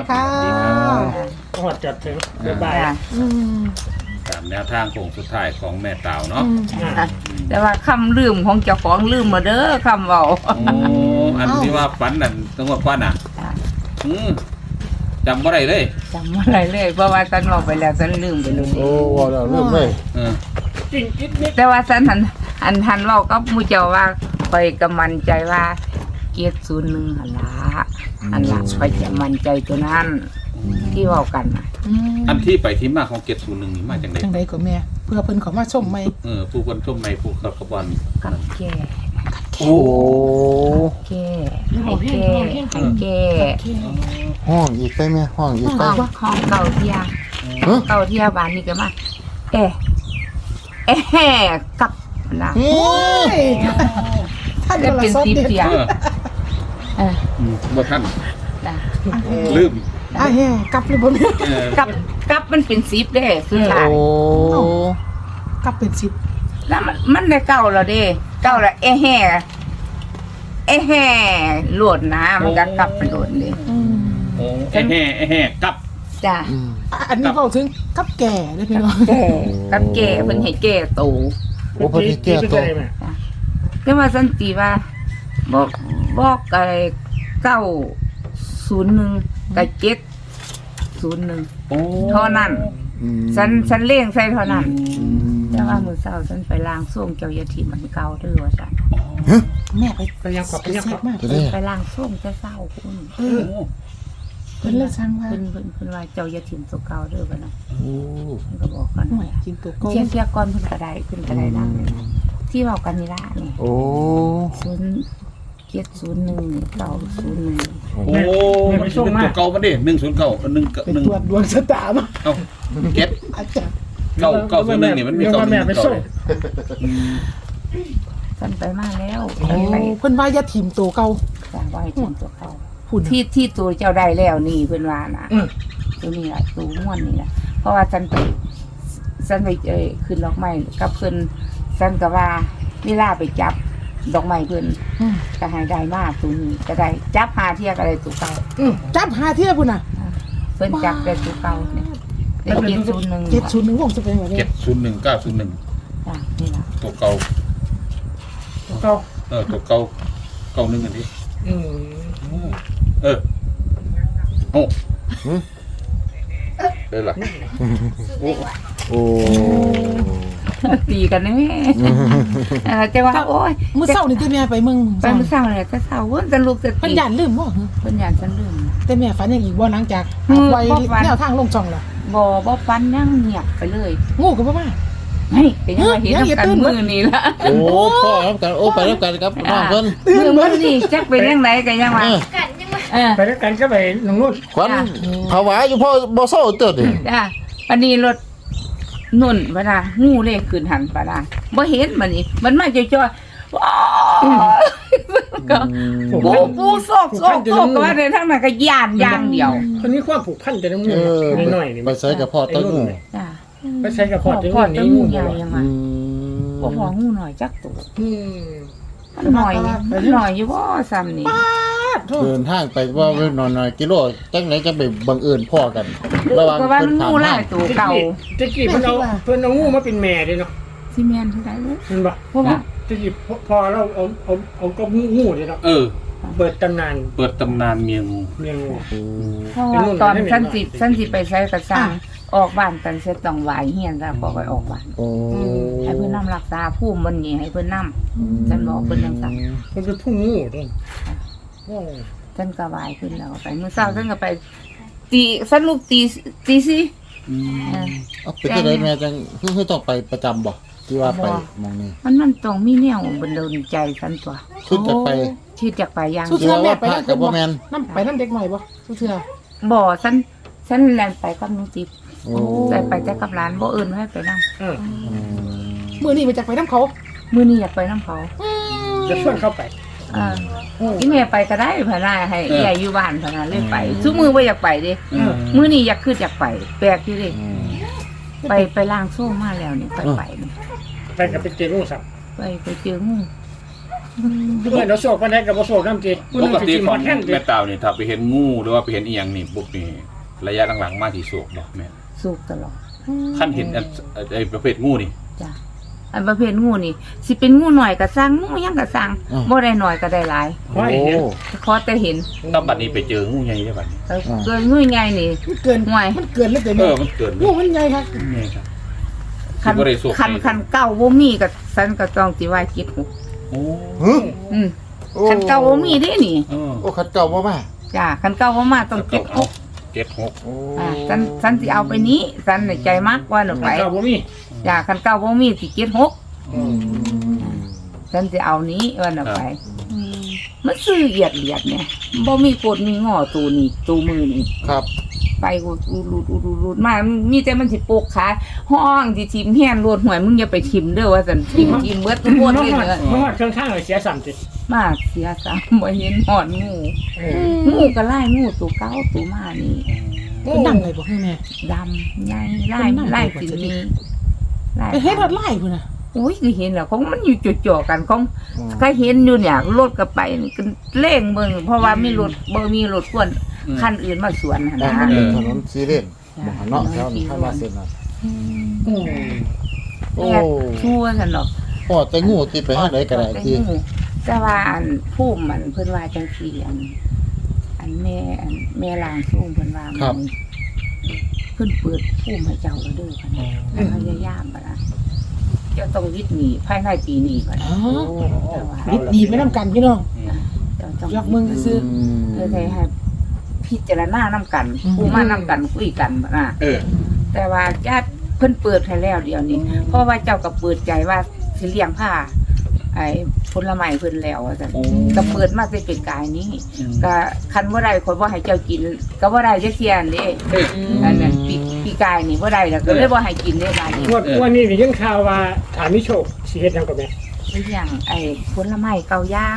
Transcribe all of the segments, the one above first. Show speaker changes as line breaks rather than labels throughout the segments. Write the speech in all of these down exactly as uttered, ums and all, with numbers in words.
ค่ะ
หอดจัดถึงบ๊ายบาย
อืม
ตามแนวทางโค้งสุดท้ายของแม่ตาวเนาะ
แต่ว่าคำลืมของเจ้าของลืมมาเด้อคำเว้า
โอ้อันที่ว่าฝันนั่นต้องว่าฝันอ่ะอืมจำบ่ได้เลย
จำอะไรเลยเพราะว่าฉันบอกไปแล้วฉันลืมไปเลย
โอ้ว่าแล้วเริ่มเลย
เออ
จริงจิตนิด
แต่ว่าฉันหันอันทันเว้ากับหมู่เจ้าว่าคอยกำมันใจว่าเกียรติศูนย์หนึ่งหันละอันละคอยจะมั่นใจตัวนั้นที่เว้ากันน่ะ
อืม
อันที่ไปที่มาของเจ็ดศูนย์หนึ่งนี่มาจากไหน
จังไดก็แม่เพื่อเพิ่นเขามาชมไหม
เออผู้คนชมในผู้ขับขบวน
กับแก่
โอ้
แก่ให้แก่ให้แก่
ห้องอีกไปแม่ห้องอีกไป
ห้องห้องเก่าเที่ย
ฮะ
เก่าเที่ยบ้านนี่ก็มาเอ๊ะเอ๊ะกับนะ
โอ้ย
ท่าน
จะ
โทร
เป็น
ศัพท์
สิบ
เด็ด
เสียง
เออ
เออ
อืมบ่ท่าน
จ้ะ
ลืม
อ่ะแฮ่กลับเลยบ่แม่
เออ
กับกับมันเป็นสิบเด้สุดท้าย
โอ้
กลับเป็นสิบ
แล้วมันมันได้เก่าแล้วเด้เก่าแล้วเอ๊ะแห่เอ๊ะแห่โหลดนะมันก็กลับไปโหลดเลย
อืม
โอ้ไอ้แห่ไอ้แห่กลับ
จ้ะ
อืม
อ่ะอันนี้เว้าถึงกับแก่เด้อพี่น้อง
แก่กับแก่เพิ่นให้แก่โต
โอ้พอดีแก้ตัว
แต่ว่าสันติว่าบอกบอกอะไรเก้าศูนย์หนึ่งกับเจ็ดศูนย์หนึ่ง
โอ้
เท่านั้น
อืม
ฉันฉันเลี้ยงใส่เท่านั้น
อืม
แต่ว่ามือเศร้าฉันไปล้างส้วมเจ้าอยาทีมันเก่าเด้อว่าซั่น
แม่ไป
ไปยังขอบไปยังขอบ
มาก
จะได้
ไปล้างส้วมจะเศร้าคุณ
เออเพิ่นเลยสั่งว่า
เพิ่นเพิ่นเพิ่นว่าเจ้าอยาทีมตัวเก่าเด้อว่านะ
โอ้
เพิ่นก็บอกกัน
หน่วยกินตัวโกง
เที่ยเที่ยก่อนเพิ่นก็ได้เพิ่นก็ได้ล้างที่เว้ากันนี่ล่ะนี่
โอ้
ศูนย์เจ็ดศูนย์หนึ่งเก้าศูนย์หนึ่ง
โอ้มันเป็นตัวเก่ามาดิหนึ่งศูนย์เก้าหนึ่ง
เป็น
หนึ่ง
ตรวจดวงชะตามา
เอ้าเก็ต
อาจารย์
เก้าเก้าศูนย์หนึ่งนี่มันมีเก้าหนึ่ง
ไป
เก้า
ส่ง
ฉันไปมาแล้ว
โอ้
ฉันไป
เพิ่นว่าอย่าถิ่มตัวเก่า
จ้างว่าให้ทีมตัวเก่า
พูด
ที่ที่ตัวเจ้าได้แล้วนี่เพิ่นว่านะ
อืม
ตัวนี้แหละตัวม่วนนี่แหละเพราะว่าฉันไปฉันไปเอ้ยขึ้นดอกไม้กับเพิ่นฉันก็ว่าเวลาไปจับดอกไม้เพิ่น
อืม
ก็ให้ได้มากตัวนี้ก็ได้จับหาเที่ยก็ได้ตัวเก่า
อืมจับหาเที่ยพุ่นน่ะ
เพิ่นจับได้ตัวเก่าเนี่ยได้เจ็ดศูนย์หนึ่ง
เจ็ดศูนย์หนึ่งวงจะเป็นแบบนี้
เจ็ดศูนย์หนึ่งเก้าศูนย์หนึ่ง
จ้ะนี่ล่ะ
ตัวเก่า
เขา
เออตัวเก่าเก่าหนึ่งอันนี้
อืม
เออโอ้เด้อล่ะ
โอ้
ตีกันนี่แม่เออจะว่าโอ้ย
มื้อเช้านี่ที่แม่ไปเมือง
ไปมื้อเช้าเนี่ยก็เช้าเว้นจะลูกจะ
เพิ่น
ตี
ย่านลืมบ่
เพิ่นย่านฉันลืม
แต่แม่ฝันอย่างอีกบ่หลังจาก
อืม
ไว้
บ่ฝัน
แนวทางลงช่องล่ะ
บ่บ่ฟันยังเงียบไปเลย
งูก็บ่มา
เฮ้ยเป็นยังไงเห็น
ยังอย่า
กัน
ตื่น
มือนี่ละ
โอ้พ่อครับกันโอ้ไปแล้วกันครับน้องเพิ่น
มือมันนี่จักเป็นยังไงกันยังวะ
เออ
เออ
ไปด้วยกันก็ไปน้องนุ่น
ขวัญภาวะอยู่พ่อบ่เศร้าเติดดิ
จ้าอันนี้รถนุ่นปะนะงูเลยขึ้นหันปะนะบ่เห็นมันนี่มันมาจ่อยๆว้าวก็ปูปูซอกซอกซอกก็ว่าในทั้งนั้นก็ย่านอย่างเดียว
คนนี้ความผูกพันจะน้องนุ่
เอน อ
หน่อยนี่
ไปใส่กับพ่อตะงู
จ้า
ไปใช้กับพอดจะ
พอ
นุ่น
จะ
นี้
งู
งู
ใหญ่ยัง
อื
วะ
ม
บ่พองูหน่อยจักตัว
อืม
หน่อยหน่อยอยู่บ่ซ้ำนี่
เดินทางไปว่าไว้หน่อยๆกิโลจังไหนจะไปบังเอิญพ่อกัน ระหว่าง
ก็ว่า
เพิ่
มัน น
ถาม
งูห
หา
ลายตัวเก่า
ตะกี้เพิ่นเอาเพิ่นเอางูมาเป็นแม่เลยเนาะ
สิแม่นเท่าไหร่ลูก
เห็นปะ
เพราะว่า
ตะกี้พอเราเอาเอาเอาก็งูเลยเนาะ
เออ
เปิดตำนาน
เปิดตำนานเมียงู
เมียงู
เพราะว่าตอนฉันสิฉันสิไปใช้กระซังออกบ้านกันเสร็จต้องไหวเฮียนแล้วก็ไปออกบ้าน
โอ้
ให้เพิ่นนำรักษาภูมิมันนี่ให้เพิ่นนำฉันบอกเพิ่นจังซั่น
มันเป็นผู้งูด้วยโอ้
ฉันก็ไหวขึ้นแล้วก็ไปมื้อเช้าฉันก็ไปตีฉันลูกตีตีสิเออ
เอาไปที่ไหนแม่จังคือคือต้องไปประจำบ่ที่ว่าไปมองนี่
มันมันต้องมีแนวบันดาลใจฉันตัว
คือจะไป
ที่จะไปอย่าง
สุเทือแม่ไปนั่น
กับบ่แม่น
น้ำไปน้ำเด็กหน่อยบ่สุเทือ
บ่ฉันฉันแล่นไปกับน้องจิ๊บ
โอ้
ไปไปแต่กับร้านบ่เอิ้นให้ไปนำ
เออ
มื้อนี้ไปจากไปน้ำเขา
มื้อนี้อยากไปนำเขา
จะชวนเข้าไป
เอออีแม่ไปก็ได้พะนาให้ใหญ่อยู่บ้านพะนาเลยไปซุมื้อบ่อยากไปเด้
เออ
มื้อนี้อยากคืออยากไป แปลกอยู่เด้
อืม
ไปไปล้างโซ่มาแล้วนี่ไปไปนี่
ไปกับไปเจองูสับ
ไปไปเจองู
เพื่อนเราโศกวันไหนกับบ่โศกน้ำจี
ปกติของ
แท่นจี
แม่ตาวนี่ถ้าไปเห็นงูหรือว่าไปเห็นอีหยังนี่ปุ๊บนี่ระยะหลังๆมาที่โศกบ่แม่
สุกตลอด
ขั้นเห็นอันไอ้ประเภทงูนี่
จ้ะอันประเภทงูนี่สิเป็นงูหน่อยก็สร้างงูหยังก็สร้างบ่ได้หน่อยก็ได้หลาย
ขอให้เห็น
ขอแต่เห็น
ตอนบัดนี้ไปเจองูใหญ่ได้บัดนี้
เออเกินงูใหญ่นี่
มันเกิน
ห่วย
มันเกินแล้วแต่
เอ
แม่
อมันเกินเล
งู
ย
มันใหญ่ครับ
ใหญ่ครับ
คัน
บ่ได้สุก
คันคันเก่าบ่มีก็สันก็ต้องสิว่าคิดหก
โอ้
ฮึ
อืมคันเก่าบ่มีเด้นี่
เออ
โอ้ขัดเก่าบ่มา
จ้ะคันเก่าบ่มาต้องเก็บหก
เก็บหก
โอ้
อ่าสันสันสิเอาไปนี้สันน่ะใจมากกว่าหนูไป
เจ้าบ่มี
จ้ะคันเก่าบ่มีสิเก็บหก
อืม
สันสิเอานี้ว่าหนูไปมันซื้อเอียดเอียดเนี่ยบ่มีกดมีงอตูนี่ตูมือนี่
ครับ
ไปอุดอุดอุดอุดอุดอุดมามีแต่มันสิโปกขาห้องสิทิมแห่นรวดหวยมึงอย่าไปทิมเด้อว่าสันทิมทิมเบิดทุกคน
มา
เลย
หอด
เด้อ
มาหอดเครื่องข้างเลยเสียสั่นจี
มาเสียสามบ่เห็นหอนงูงูก็ไล่งูตัวเก้าตัวมานี่
เป็นดังเลยบ่ให้แม่
ดำใหญ่ไล่ไล่สิมีไล่
ไปเฮ็ดฮอดไล่พุ่นน่ะ
โอ้ยคือเห็นแล้วของมันอยู่จ่อๆกันของก็เห็นอยู่เนี่ยรถก็ไปก็เร่งเบิ่งเพราะว่ามีรถบ่มีรถกวนคันอื่นมาสวนหั่น
แต่
นะ
มันเป็นถนนซีเรียสบ่เนาะแถวนี้ข้างมาเส้นน่ะโอ้
แม่ชั่วซั่นดอก
พ่อแต่งูที่ไปหาไหนก็ได้ที่
แต่ว่าอันผู้มันเพิ่นว่าจังซี่อัน อันแม่อันแม่ลางสู้เพิ่นว่ามันเพิ่นเปิดผู้ให้เจ้าแล้วเด้อคั่นน่ะแล้วพยายามบ่ล่ะเจ้าต้องวิทย์หนีภายในปีนี้ก่อน
อ๋อ
แต่ว่า
นิดดีไม่นำกันพี่น้อง
เจ้าต้อง
ยกมือซื้อ
เพื่อให้ให้พิจารณานำกัน
อืม
ผู้มานำกันคุยกันบ่น่ะ
เออ
แต่ว่าญาติเพิ่นเปิดให้แล้วเดี๋ยวนี้ เพราะว่าเจ้าก็เปิดใจว่าสิเลี้ยงผ้าไอ้ผลไม้เพิ่นแล้วว่าซั่น
โอ้
ก็เปิดมาแต่เป็นกายนี้ ก็คันบ่ได้คนบ่ให้เจ้ากิน ก็บ่ได้จักเที่ยนเด้
เออ
อันนั้นปีปีกายนี่บ่ได้แล้วก็เลยบ่ให้กินเด้บาดนี้
งวดวันนี้ได้ยินข่าวว่าถามิโชคสิเฮ็ดหยังกับแม่
เลี้ยงไอ้ผลไม้เกาย่าง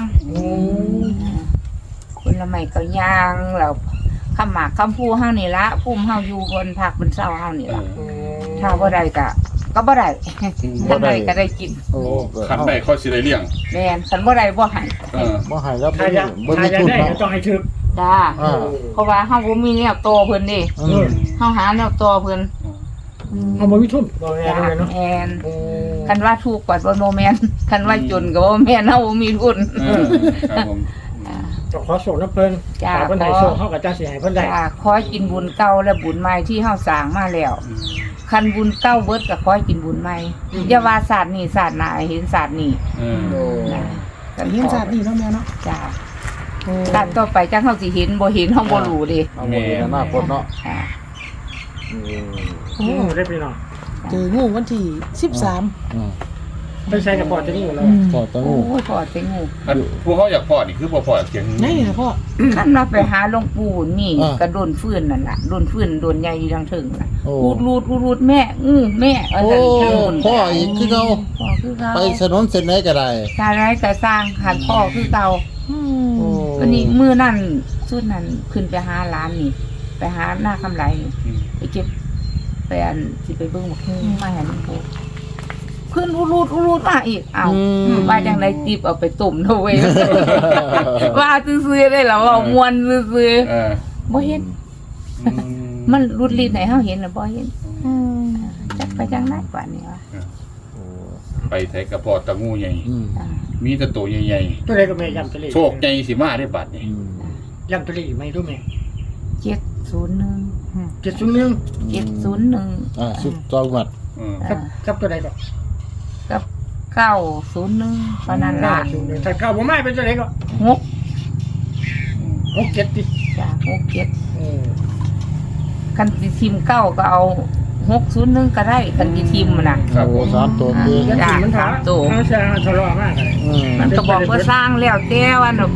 ผลไม้เกาย่างแล้วคำหมากคำพูเฮานี่ละภูมิเฮาอยู่บนภาคบนเซาเฮานี่
เอ
ล่ะ
อ
ถ้าบ่ได้ก็ก็บ่ได้ถ้าได้ก็ได้กิน
โอ้
ขันได้เขาสิได้เลี้ยง
แม่นคันบ่ได้บ่ให้
เออ
บ่ให้แล้วบ่
ถ้า
มี
อยาก
บ่
ถ้า
มี
อยาก
ทุน
ได้
เนาะ
ก็ต้องให้ถึก
จ้า
อ่า
เพราะว่าเฮาบ่มีแนวโตเพิ่นเด้
อืม
เฮาหาแนวโตเพิ่น
เอาบ่มีทุนบ่แม่
จ้าน
เนาะ
แม่นคันว่าถูกกว่าบ่โนแม่นคันว่าจนก็บ่แม่นเฮาบ่มีทุน
เออครับผม
อ่า
ก็ขอส่งน้ำเพิ่น
จ้า
ถ้าเพิ่นให้ส่งเฮาก็จังสิให้เพิ่นได้
จ้าขอให้กินบุญเก่าและบุญใหม่ที่เฮาสร้างมาแล้ว คันบุญเก่าเบิดก็ขอให้กินบุญใหม่อย่าว่าศาสตร์นี้ศาสตร์หน้าให้เห็นศาสตร์นี้
เออ
โอ้
นะกั
เฮียนศาสตร์นี่เนาะแม่เนาะ
จ้าศาสตร์ต่อไปจังเฮาสิเห็นบ่เห็นเฮาบ่รู้เด้
เอาหมดเลยนะคนเนาะ
อ่า
อืม
โอ้
อืมได้พี่น้อง
เจองูวันที่สิบสาม
อืม
เพิ่นใช้กับพอจะนี่หมดแล้ว
พ่อแต่
โอ้
งู
ยพอเต็งงู
อันพวกเขาอยากพอนี่คือบ่พอเสียง
ไหนน่ะพ่อ
คันว่าไปหาหลวงปู่นี่ก็โดนฟื้นนั่นล่ะโดนฟื้นโดนใหญ่อยู่ทางถึงน่ะ
โอ้
อูดรูดอูดรูดแม่อื้อแม่เอา
โอ้
ซั่นทางนู้น
พ่ออีกคือเก่า
พ่อคือเก่า
ไปถนนเส้นไหนก็ได้
ชาไรก็สร้างหันพ่อคือเก่า
อื
โอ้
ม
วันนี้มื้อนั้นสุดนั้นขึ้นไปหาร้านนี่ ไปหาหน้าคำไรนี่ไปเก็บไปอันสิไปเบิ่งบักฮู้มาให้หลวงปู่ขึ้นอูรูดอูรูดมาอีกอ้าวว่าจังไดจิบเอาไปต้มเถอะเว้ย ว่าซื่อๆได้แล้วเว้ามวนซื่อ
เออ
ๆบ่เห็น มันรุดลิ้นให้เฮาเห็นน่ะบ่เห็น
อืม
จักไปจังได๋กว่านี้วะ
โอ้
ไปไทยกระพอตะงูใหญ่
อืม
อ่า
มีแต่ตัวใหญ่
ตัวใดก็แม่ย้ำตัวเลข
ๆโชคใหญ่สิมาได้บัดนี่
อืม
ย้ำตัวเลขอีกไหมรู้ไหม
เจ็ดศูนย์หนึ่ง
เจ็ดศูนย์หนึ่ง
เจ็ดศูนย์หนึ่ง
อ่าสุดตองหวัด
เออ
กับกับตัวใดก็
กับเก้าศูนย์หนึ่งเพราะนั้นละ
ศูนย์หนึ่งถ้าเก้าบ่มาเป็นตัวใดก็
หก
หกเจ็ดติ
จ้ะหกเจ็ด
เออ
คันสิทีมเก้าก็เอาหกศูนย์หนึ่งก็ได้คันสิทีมมันน่ะ
ครับผ
โอ้
ม
สามตัวเดียว
ยัดสิมันถา
สามตัว
มันจะทะเลาะมากเลย
อืม
มันก็บอกว่าสร้างแล้วแต่วันออกไป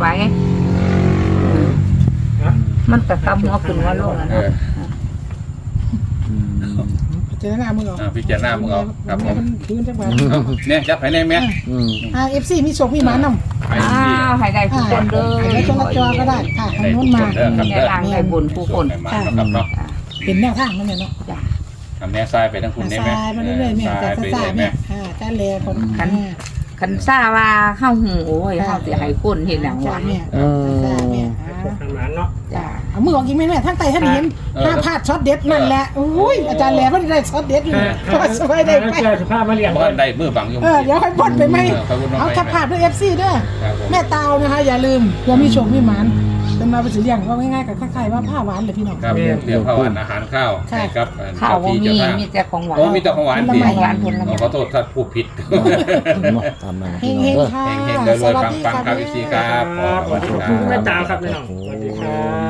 นะ
มันก็กำหัวขึ้นหัว่าโลกแล้ว
เอ
เนาะ
อ
อืม
เจอหน้ามึงเหรอ
อ่าพิจารณามึงเอาครับผม
นคืนจังหวะ
เอาเนี่ยจับให้แน่แม่
อืม
อ่า เอฟ ซี มีโชคมีหมานำ
ไป
อ้า
ที่
วให้ได้ทุกคนเด้อ
ให้ได้คนละจอก็ได้ค่ะทาง
ได้
โน้
ทุ
น
ก
มา
คนเด้อครับ
ใน
เด้อ
ร่างได้บุญผู้คน
ให้มาครับเนาะ
อ่า
เป็นแนวทางนั่นแหละเนาะ
จ้ะ
ทำแน่ซ้ายไปทั้งคุณได้ไหม
ซ้ายมาเรื่อยๆแม่
ซ้าย
จะ
ไป
ซ่า
เรื่อยๆ
ๆแม่
แม่
อ่าจ้าแลคน
คัน
อ่า
คันซ่าว่าเฮาหูโอ้ยเฮาสิให้คนเฮ็ดหยัง
จ้าว
ะ
แม่
อื
จ้าม แม่
โชคทางหมานเนาะ
จ้า
เอามือออกอีกแม่แม่ทั้งไตทั้งเห็นห้าพลาดช็อตเด็ดนั่นแหละอุ้ยอาจารย์แหล่เพิ่นได้ช็อตเด็ดอยู่เพราะว่าสบายได้ไป
เจอสุภาพมาเลี้ยง
บ้านได้มือบังอยู่
เออเดี๋ยวค่อยพ่นไปไหม
เออค่อยพ่นไปไหม
เอาถ้าพลาดด้วย เอฟ ซี เด้อ
ครับผม
แม่ตาวนะคะอย่าลืมเพื่อมีโชคมีหมานเป็นมาเป็นสิเลี้ยงว่าง่ายๆกับคล้ายๆว่าผ้าหวานเลยพี่น้อง
ครับเรียกข้าวหวานอาหารข้าว
ค่ะ
ให้ครับ
ข้าวบ่
เจ้
มี
ที่เจ้าทาง
มีแต่ของหวาน
โอ้มีแต่ของหวาน
ผล
สิ
ไม้
ของหวานผลไม้
ขอโทษถ้าพูดผิด
เนาะตามนั้น
เฮ
พี่
ง
น้อง
เฮง
เด้อ
ๆค่ะ
เฮงๆรวยๆปังๆครับ
แม่
พี่ซีครับ
ครับสวัสดีครับแม่ตาวครับพี่น้องสวัสดีครับ